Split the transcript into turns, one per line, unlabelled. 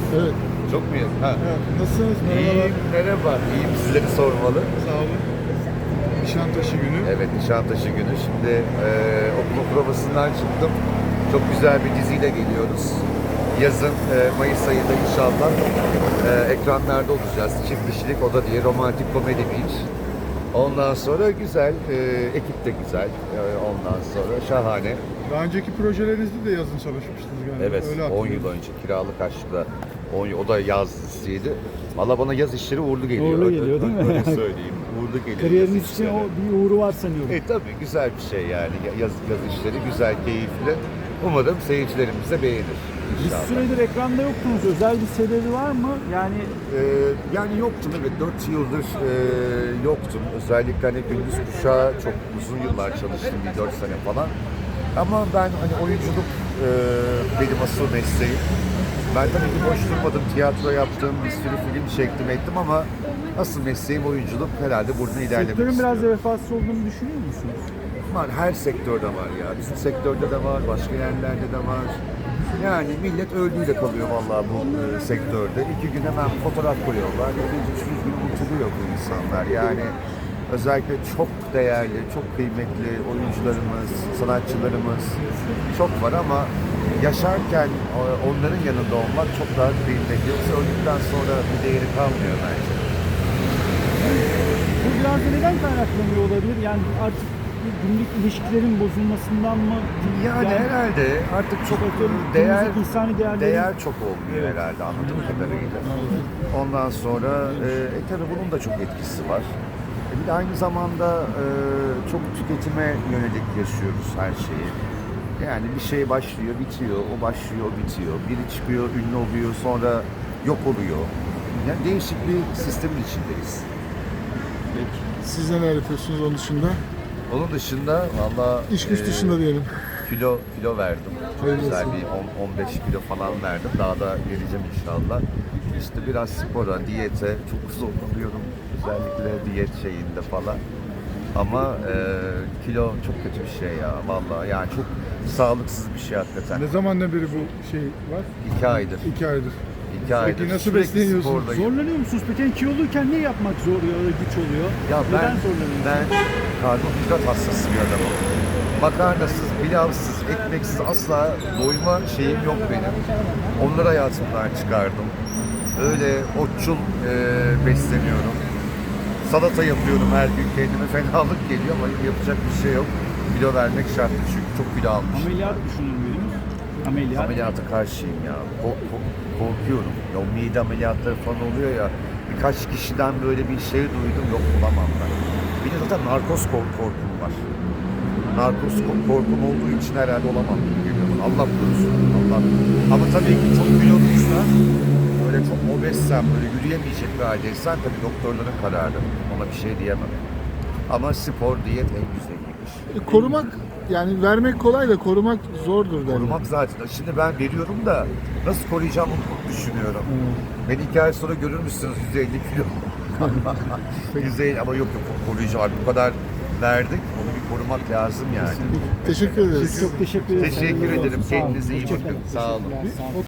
Evet.
Çok mu yakın? Ha.
Evet. Nasılsınız? Merhabalar.
İyiyim, merhaba. İyiyim, sizleri sormalı.
Sağ olun. Nişantaşı günü.
Evet, Nişantaşı günü. Şimdi okul provasından çıktım. Çok güzel bir diziyle geliyoruz. Yazın Mayıs ayında inşallah ekranlarda olacağız. Çift kişilik oda diye romantik komedi bir iş. Ondan sonra güzel, ekip de güzel. Ondan sonra şahane.
Daha önceki projelerinizde de yazın çalışmıştınız galiba.
Evet,
Öyle
10 yıl
hatırlıyorum.
önce Kiralık Aşk'la o da yaz dizisiydi. Valla bana yaz işleri uğurlu geliyor.
Uğurlu geliyor, değil mi?
Öyle söyleyeyim. Uğurlu geliyor.
Kariyeriniz
yaz
için
işleri.
o bir uğru var sanıyorum.
Tabii güzel bir şey yani. Yaz işleri güzel, keyifli. Umarım seyircilerimiz de beğenir.
Bir
İnşallah.
süredir ekranda yoktunuz. Özel bir sebebi var mı?
Yani yoktum, evet, 4 yıldır yoktum. Özellikle hani gündüz kuşağı çok uzun yıllar çalıştım, bir 4 sene falan. Ama ben hani oyunculuk benim asıl mesleğim. Ben tabii ki boş durmadım, tiyatro yaptım, bir sürü film çektim ettim ama asıl mesleğim oyunculuk, herhalde buradan ilerlemek
Sektörün biraz
istiyorum.
vefasız olduğunu düşünüyor musunuz?
Var, her sektörde var ya. Bizim sektörde de var, başka yerlerde de var. Yani millet öldüğüyle kalıyor vallahi bu sektörde. 2 gün hemen fotoğraf koyuyorlar. 200 gün unutuluyor bu insanlar. Yani özellikle çok değerli, çok kıymetli oyuncularımız, sanatçılarımız çok var ama yaşarken onların yanında olmak çok daha kıymetli. Yoksa öldükten sonra bir değeri kalmıyor bence.
Bu biraz da neden kaynaklanıyor olabilir? Yani artık günlük ilişkilerin bozulmasından mı?
Yani herhalde artık çok
değer, insani
değer çok olmuyor herhalde anladığım kadarıyla. Ondan sonra tabii bunun da çok etkisi var. Bir de aynı zamanda çok tüketime yönelik yaşıyoruz her şeyi. Yani bir şey başlıyor, bitiyor, o başlıyor, o bitiyor. Biri çıkıyor, ünlü oluyor, sonra yok oluyor. Yani değişik bir sistemin içindeyiz.
Siz neler yapıyorsunuz onun dışında?
Onun dışında valla
İş güç dışında diyelim.
kilo verdim. Çok
Hayırlısı.
güzel bir 15 kilo falan verdim. Daha da vereceğim inşallah. İşte biraz spora, diyete çok zorlanıyorum. Özellikle diyet şeyinde falan. Ama kilo çok kötü bir şey ya vallahi. Yani çok sağlıksız bir şey hakikaten.
Ne zamandan beri bu şey var?
2 aydır.
2 aydır.
2 aydır.
nasıl
Sürekli
besleniyorsunuz?
spordayım.
Zorlanıyor musunuz peki? Yani kiloluyken ne yapmak zor ya da güç oluyor?
Ya
Neden zorlanıyorsunuz?
ben karbonhidrat hastası bir adamım. Makarnasız, pilavsız, ekmeksiz asla doyma şeyim yok benim. Onları hayatımdan çıkardım. Öyle otçul besleniyorum. Salata yapıyorum her gün, kendime fenalık geliyor ama yapacak bir şey yok. Kilo vermek şart çünkü çok kilo almışım.
Ameliyat düşünür müydünüz? Ameliyat.
Ameliyata karşıyım ya. Korkuyorum. Ya o mide ameliyatları falan oluyor ya. Birkaç kişiden böyle bir şey duydum. Yok, olamam ben. Bir de zaten narkoz korkum var. Narkoz korkum olduğu için herhalde olamam gibi geliyor bana. Allah korusun. Allah. Ama tabii ki çok kiloluysa, böyle çok obezsem, böyle yürüyemeyecek bir haldeysen tabii doktorların kararı. Ona bir şey diyemem. Ama spor, diyet en güzeliymiş.
Korumak, yani vermek kolay da korumak zordur derler.
Korumak zaten. Şimdi ben veriyorum da nasıl koruyacağımı düşünüyorum. Beni 2 ay sonra görür müsünüz 150 kilo? 150 ama yok koruyacağım. Bu kadar verdik. Onu bir korumak lazım yani.
Teşekkür ederiz.
Çok teşekkür ederim.
Teşekkür ederim.
Sağ olun.
Kendinize iyi bakın.
Hoşçakalın.
Sağ olun.
Teşekkürler, sağ olun.